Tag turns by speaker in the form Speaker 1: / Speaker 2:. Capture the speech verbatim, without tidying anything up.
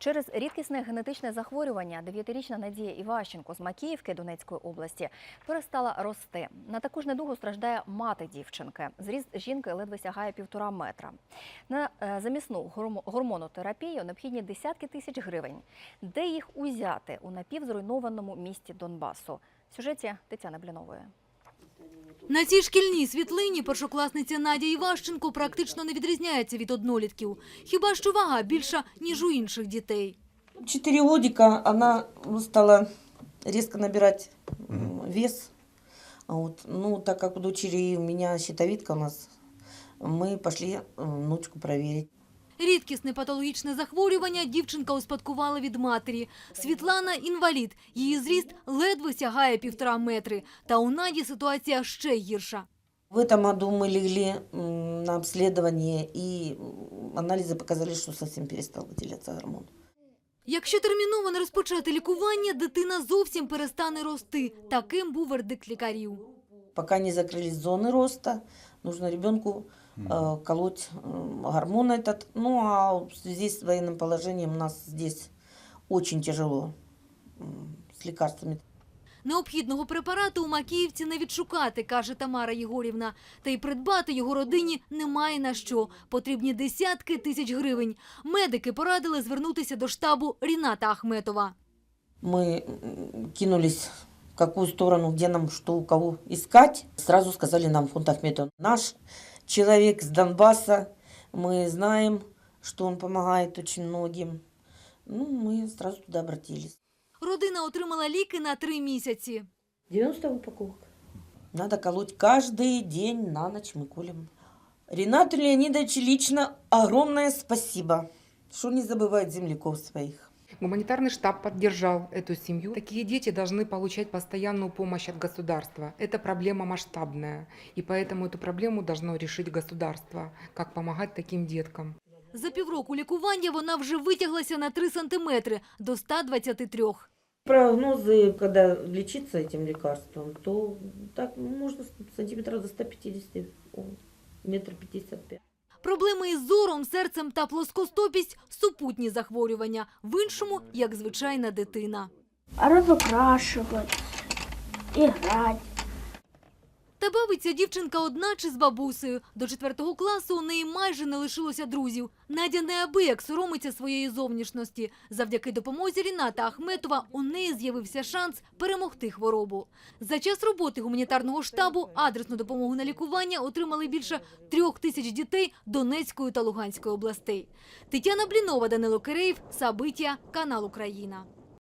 Speaker 1: Через рідкісне генетичне захворювання дев'ятирічна Надія Іващенко з Макіївки Донецької області перестала рости. На таку ж недугу страждає мати дівчинки. Зріст жінки ледве сягає півтора метра. На замісну гормонотерапію необхідні десятки тисяч гривень. Де їх узяти у напівзруйнованому місті Донбасу? В сюжеті Тетяни Блінової.
Speaker 2: На цій шкільній світлині першокласниця Надя Іващенко практично не відрізняється від однолітків. Хіба що вага більша, ніж у інших дітей.
Speaker 3: Четыре годика она стала резко набирать вес. Вот. Ну, так как у дочери у меня щитовидка у нас, мы пошли внучку проверить.
Speaker 2: Рідкісне патологічне захворювання дівчинка успадкувала від матері. Світлана – інвалід. Її зріст ледве сягає півтора метри. Та у Наді ситуація ще гірша.
Speaker 3: В этом году мы легли на обследование, и анализы показали, что совсем перестал выделяться гормон.
Speaker 2: Якщо терміново не розпочати лікування, дитина зовсім перестане рости. Таким був вердикт лікарів.
Speaker 3: Пока не закрылись зоны роста, нужно ребенку э, колоть э, гормон этот. Ну, а в связи с военным положением у нас здесь очень тяжело э, с лекарствами.
Speaker 2: Необхідного препарату у Макіївці не відшукати, каже Тамара Єгорівна. Та й придбати його родині немає на що. Потрібні десятки тисяч гривень. Медики порадили звернутися до штабу Ріната Ахметова.
Speaker 3: Мы кинулись в какую сторону, где нам, что у кого искать. Сразу сказали нам фонд Ахметова. Наш человек с Донбасса, мы знаем, что он помогает очень многим. Ну, мы сразу туда обратились.
Speaker 2: Родина отримала ліки на три місяці.
Speaker 3: девяносто упаковок. Надо колоть каждый день, на ночь мы колем. Ринату Леонидовичу лично огромное спасибо, что не забывает земляков своих.
Speaker 4: Гуманитарный штаб поддержал эту семью. Такие дети должны получать постоянную помощь от государства. Это проблема масштабная, и поэтому эту проблему должно решить государство, как помогать таким деткам.
Speaker 2: За півроку лікування вона вже витяглася на три сантиметри – до ста двадцяти трьох.
Speaker 3: Прогнозы, когда лечиться этим лекарством, то так можно сантиметров до ста пятидесяти, метр пятьдесят пять.
Speaker 2: Проблеми із зором, серцем та плоскостопість – супутні захворювання. В іншому – як звичайна дитина.
Speaker 5: Разукрашивать, играть.
Speaker 2: Та бавиться дівчинка одна чи з бабусею. До четвертого класу у неї майже не лишилося друзів. Надя неабияк соромиться своєї зовнішності. Завдяки допомозі Ріната Ахметова у неї з'явився шанс перемогти хворобу. За час роботи гуманітарного штабу адресну допомогу на лікування отримали більше трьох тисяч дітей Донецької та Луганської областей. Тетяна Блінова, Данило Киреєв, Сабиття, канал Україна.